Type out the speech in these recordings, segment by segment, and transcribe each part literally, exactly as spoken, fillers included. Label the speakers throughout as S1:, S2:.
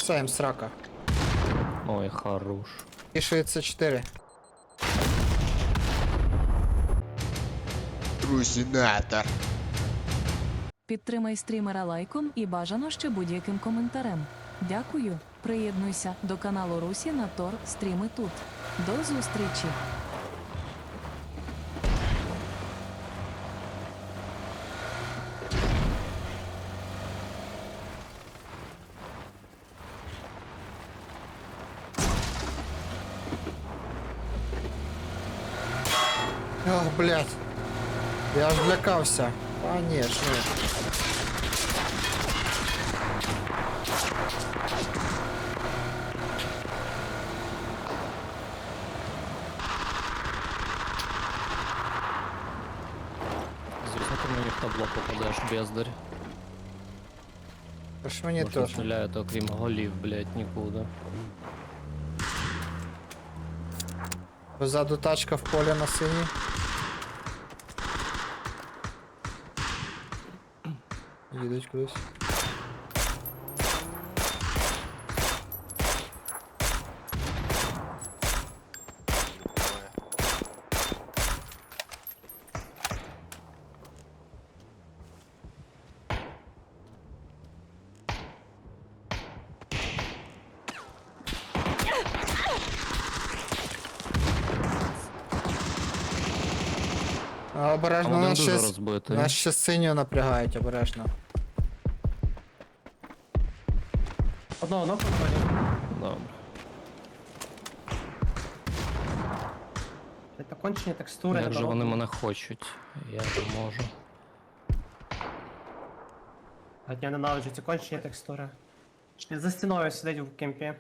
S1: Все, їм срака.
S2: Ой, хорош.
S1: І шістдесят чотири.
S3: Русінатор.
S4: Підтримай стрімера лайком і бажано ще будь-яким коментарем. Дякую. Приєднуйся до каналу Русі на Тор стріми тут. До зустрічі!
S1: Ох, блядь. Я аж лякався. Конечно.
S2: Звісно, ти мені в табло попадеш, бездарь.
S1: Аж мені
S2: Можна
S1: теж.
S2: стріляти, окрім голів, блядь, нікуди.
S1: Позаду тачка в полі на синій. Їдуть кудись. А, обережно,
S2: Там один
S1: нас
S2: дуже
S1: ще,
S2: розбитий.
S1: нас ще синю напрягають, обережно.
S5: Одного ногу входить.
S2: Добре.
S5: Це кончені текстури.
S2: Як же
S5: на
S2: вони
S5: дорогу.
S2: мене хочуть? Я не можу.
S5: А я ненавиджу ці кончені текстури. Ще за стіною сидить в кемпі.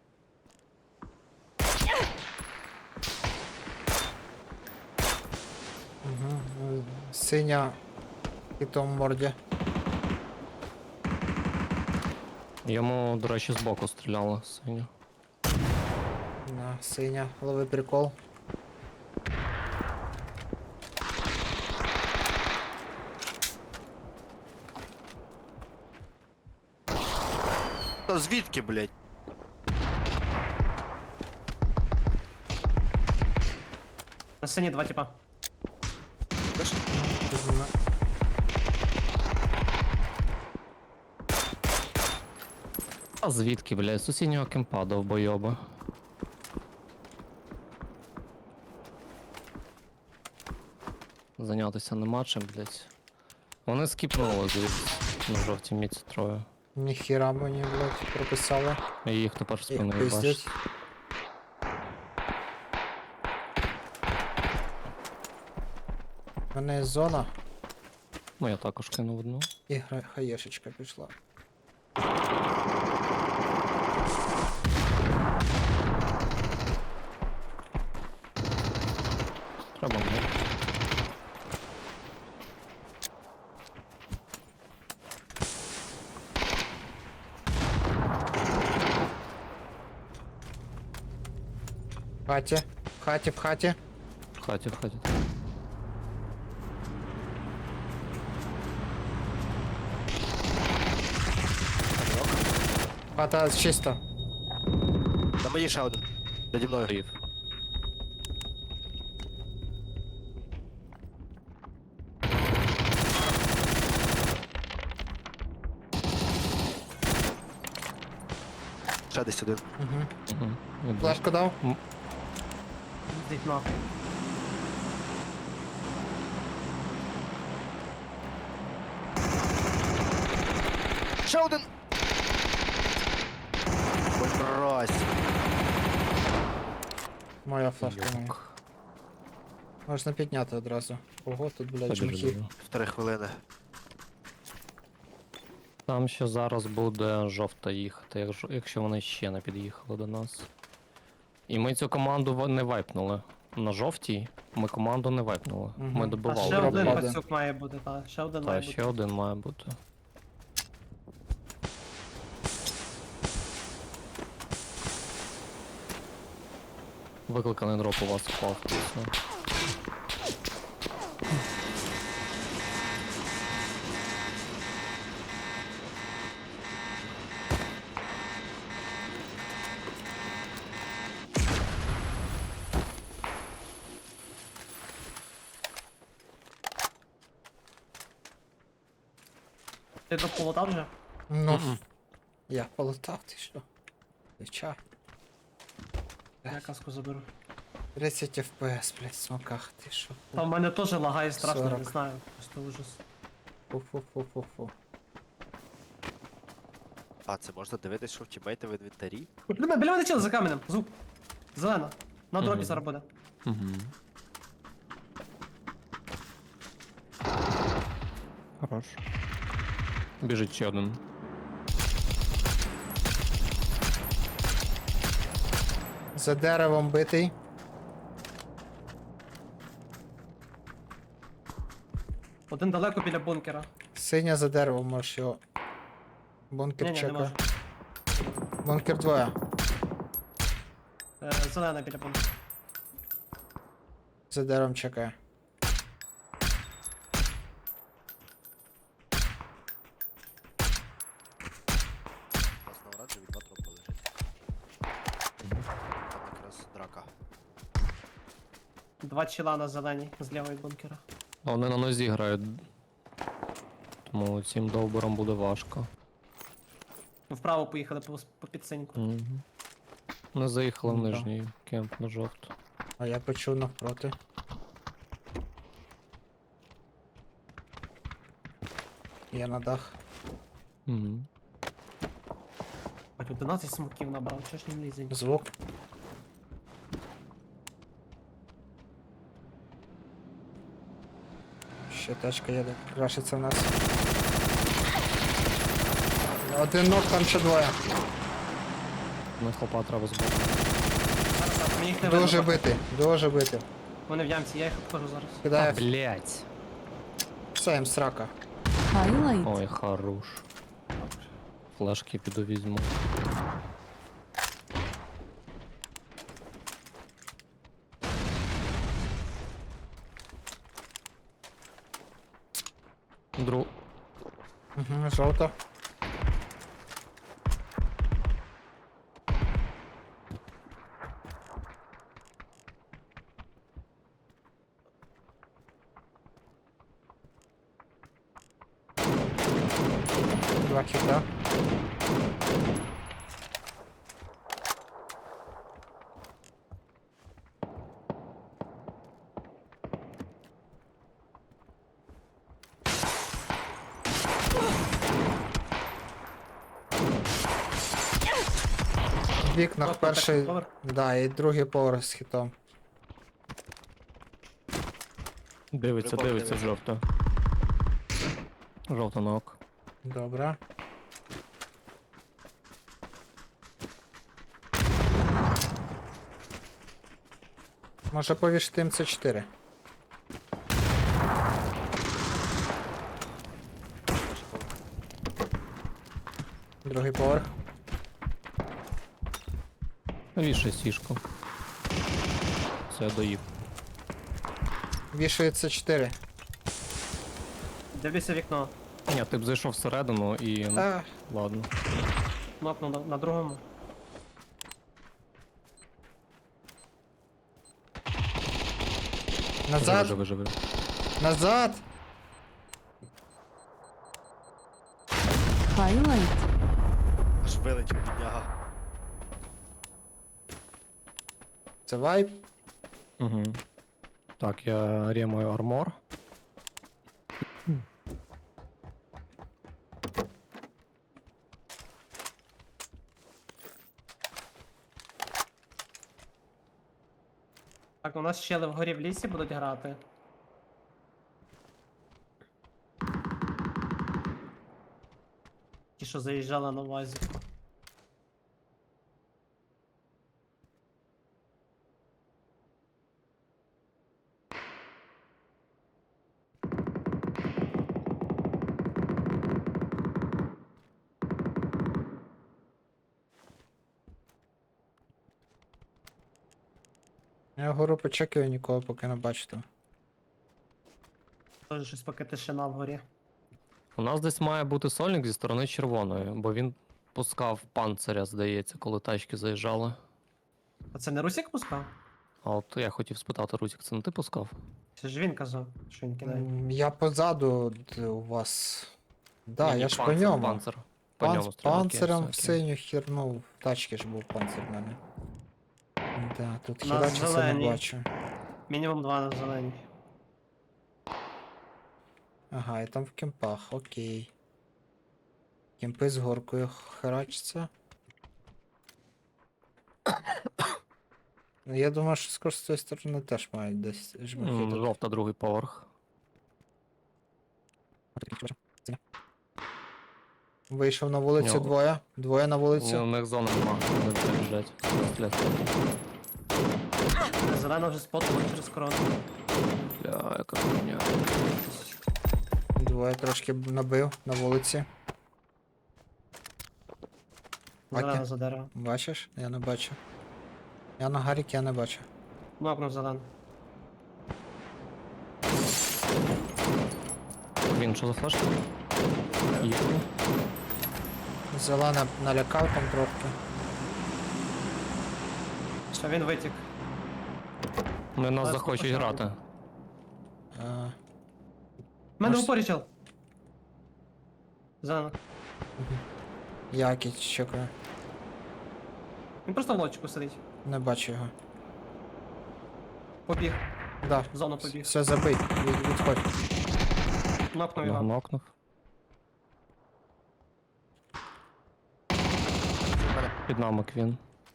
S1: Угу. Синя і том морді.
S2: Йому, до речі, збоку стріляли синю.
S1: На, синя, лови прикол.
S3: Та звідки, блядь?
S5: На сцені два типа.
S2: А звідки, блядь? З сусіднього кемпа довбойоба. Зайнятися нема чим, блядь. Вони скіпнули звідси на жовтій міці троє.
S1: Ніхіра мені, блядь, прописали.
S2: І їх тепер
S1: Їх
S2: спиною бачить.
S1: пиздять. У мене є зона
S2: Ну я також кинув одну.
S1: і гра- хаєшечка пішла.
S2: Треба мені.
S1: В хаті, в хаті, в хаті.
S2: В хаті, в хаті.
S1: Хата чисто.
S3: На мені ще один. Наді мною.
S2: Стоїв.
S3: Ще десь один.
S1: Угу.
S2: Угу. Іду.
S1: Флешку дав?
S5: Йдіть нахуй.
S3: Ще один! Ой, мразь.
S1: Моя флешка моя.
S2: Йок.
S1: Можна підняти одразу. Ого, тут, блядь,
S2: Побіжу,
S1: чмахи.
S2: біжу.
S3: Три хвилини.
S2: Там ще зараз буде жовта їхати, якщо- якщо вони ще не під'їхали до нас. І ми цю команду в- не вайпнули. На жовтій ми команду не вайпнули.
S1: Мгм.
S2: Ми
S5: А
S2: добивали.
S5: ще один
S1: пропаде.
S5: пацюк має бути, та. Ще один має
S2: Та
S5: бути.
S2: ще один має бути. Викликаний дроп у вас впав. Все.
S5: Ти до полота вже?
S1: Ну,
S2: Мгм.
S1: я полутав, ти що? Звичайно.
S5: Я каску заберу.
S1: тридцять еф пі ес, блядь, в смоках, ти що?
S5: Та в мене теж лагає страшно, не
S1: сорок.
S5: знаю. Просто ужас.
S1: Фу-фу-фу-фу-фу.
S3: А, це можна дивитись, що в тімейти в інвентарі?
S5: Біля мене, біля мене чел за каменем. Звук. Зелена. На дропі
S2: Мгм.
S5: зараз буде.
S2: Угу. Хорош. Біжить ще один.
S1: За деревом битий.
S5: Один далеко біля бункера.
S1: Синя за деревом, можеш його.
S5: Ні,
S1: Бункер
S5: ні, не
S1: чека.
S5: можу.
S1: Бункер двоє.
S5: Е, Зелена біля бункера.
S1: За деревом чекає.
S3: У нас на оранжеві два тропи лежить. Там якраз драка.
S5: Два чела на зеленій з лівої бункера.
S2: А вони на нозі грають. Тому цим довбором буде важко.
S5: Вправо поїхали по, по підсиньку.
S2: Угу. Не заїхали в
S1: Ну да.
S2: нижній кемп на жовту.
S1: А я почув навпроти. Я на дах.
S2: Угу.
S5: Хоч одинадцять смоків набрав, чого ж не лізе?
S1: Звук. Ще тачка їде. Крашиться в нас. Один ног, там ще двоє.
S2: На хлопа треба збити.
S5: Зараз, зараз, мені їх не
S1: Дуже
S5: видно.
S1: битий, дуже битий.
S5: Вони в ямці, я їх обхожу зараз.
S1: Кидає
S2: Блять.
S1: все їм срака.
S4: Хайлайт.
S2: Ой, хорош. Флешки піду візьму. Дру.
S1: Угу, жовто. Два хіта. В вікнах
S5: Тобто
S1: перший,
S5: перший поверх?
S1: да, і другий поверх з хітом.
S2: Дивиться,
S3: Любов
S2: дивиться
S3: дивиться.
S2: жовто. Жовто на ок.
S1: Добре. Може повішити ем це чотири. Другий поверх.
S2: Вішай сішку. Це я доїв.
S1: Вішується чотири.
S5: Дивлюся вікно.
S2: Ні, ти б зайшов всередину і. ну,
S1: Та,
S2: Ладно.
S5: Кнопну на, на другому.
S1: назад,
S2: Живи, живи, живи.
S1: назад!
S4: Хайлайт.
S3: Аж вилетів бідняга.
S1: Це вайп.
S2: Угу. Так, я ремаю армор.
S5: Так, у нас щели вгорі в лісі будуть грати. Ті, що заїжджали на вазі.
S1: Я вгору почекаю, нікого поки не бачу там.
S5: Теж щось поки тишина вгорі.
S2: У нас десь має бути сольник зі сторони червоної, бо він пускав панциря, здається, коли тачки заїжджали.
S5: А це не Русік пускав?
S2: А от я хотів спитати, Русік, це не ти пускав?
S5: Це ж він казав, що він кидає.
S1: М, Я позаду д- у вас Да,
S2: Ні,
S1: я ж по
S2: панцир,
S1: ньому.
S2: Панцир. По
S1: Панц-
S2: ньому стріляки
S1: панциром в
S2: всякі.
S1: синю херну. В тачці ж був панцир в мене. Да, тут
S5: У нас
S1: херачиться не
S5: зелені.
S1: бачу.
S5: Мінімум два на зеленій.
S1: Ага, і там в кемпах, окей. Кемпи з горкою херачаться. Ну, я думаю, що скоро з цієї сторони теж мають десь
S2: М,
S1: жмахи.
S2: Жовта, другий поверх.
S1: Вийшов на вулицю
S2: Нього.
S1: двоє. Двоє на
S2: У
S1: вулицю.
S2: них зона нема, вони все біжать. Стріляти.
S5: Зелена вже спотила через корону.
S2: Бля, яка хуйня.
S1: Двоє трошки б набив на вулиці.
S5: Зелена
S1: Баки,
S5: за дерево.
S1: бачиш? Я не бачу. Я на гарік, я не бачу.
S5: Нокнув зелену.
S2: Він що за флешка? Їхали.
S1: Зелена налякав там трохи.
S5: Що він витік.
S2: Вони нас
S5: Зараз
S2: захочуть
S5: покажу.
S2: грати.
S1: А,
S5: У мене в
S1: Може-
S5: упорі чел. Зелена.
S1: Якість чекаю.
S5: Він просто в лодчику сидить.
S1: Не бачу його.
S5: Побіг.
S1: Да.
S5: В зону побіг.
S1: Все, забий. Від, відходь.
S5: Нокнув
S2: Його
S5: його.
S2: нокнув. Під нами Квін.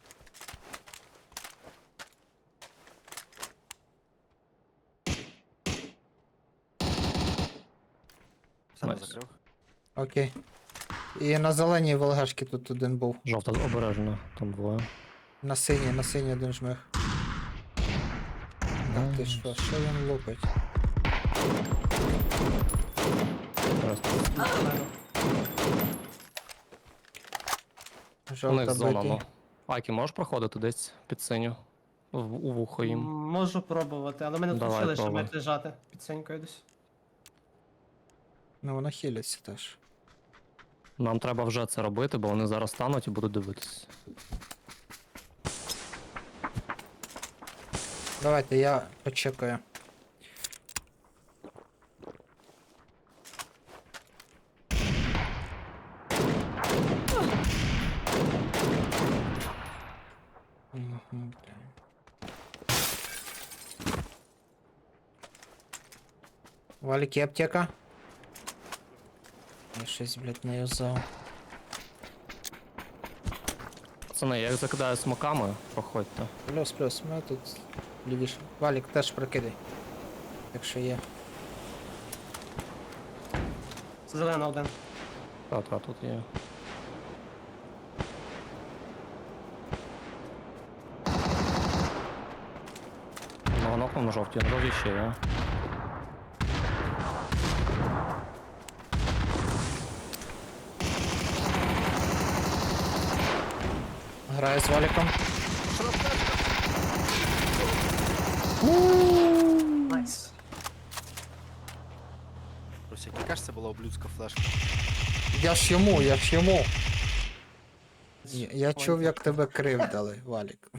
S3: Все не
S2: Найс.
S3: закрив.
S1: Окей. І на зеленій ВЛГшки тут один був.
S2: Жовта обережно, там двоє.
S1: На синій, на синій один жмих. Так, ти що, що він лупить?
S2: Зараз.
S5: Зелена.
S2: У
S1: Жовта
S2: них зона,
S1: битий.
S2: ну. Айкі, можеш проходити десь під синю? В- У вухо
S5: М,
S2: їм.
S5: Можу пробувати, але ми не
S2: Давай,
S5: включили, щоб
S2: пробуй.
S5: як лежати під синькою десь.
S1: Ну воно хиляться теж.
S2: Нам треба вже це робити, бо вони зараз стануть і будуть дивитися.
S1: Давайте я почекаю. Мгм, бля. Валік, є аптека? Я щось, блядь, не юзав.
S2: Пацани, я їх закидаю смоками, проходьте.
S1: Плюс, плюс, ми тут лівіше. Валік теж прокидай. Якщо є.
S5: Зелена один.
S2: Та, та, тут є. Ну, нокнув на жовтій, на жовтій ще є.
S1: Граю з Валіком.
S5: Найс.
S3: Русик, яка ж це була облюдська флешка?
S1: Я ж йому, я ж йому. Я, я
S5: Ой,
S1: чув, як тебе кривдали, Валік.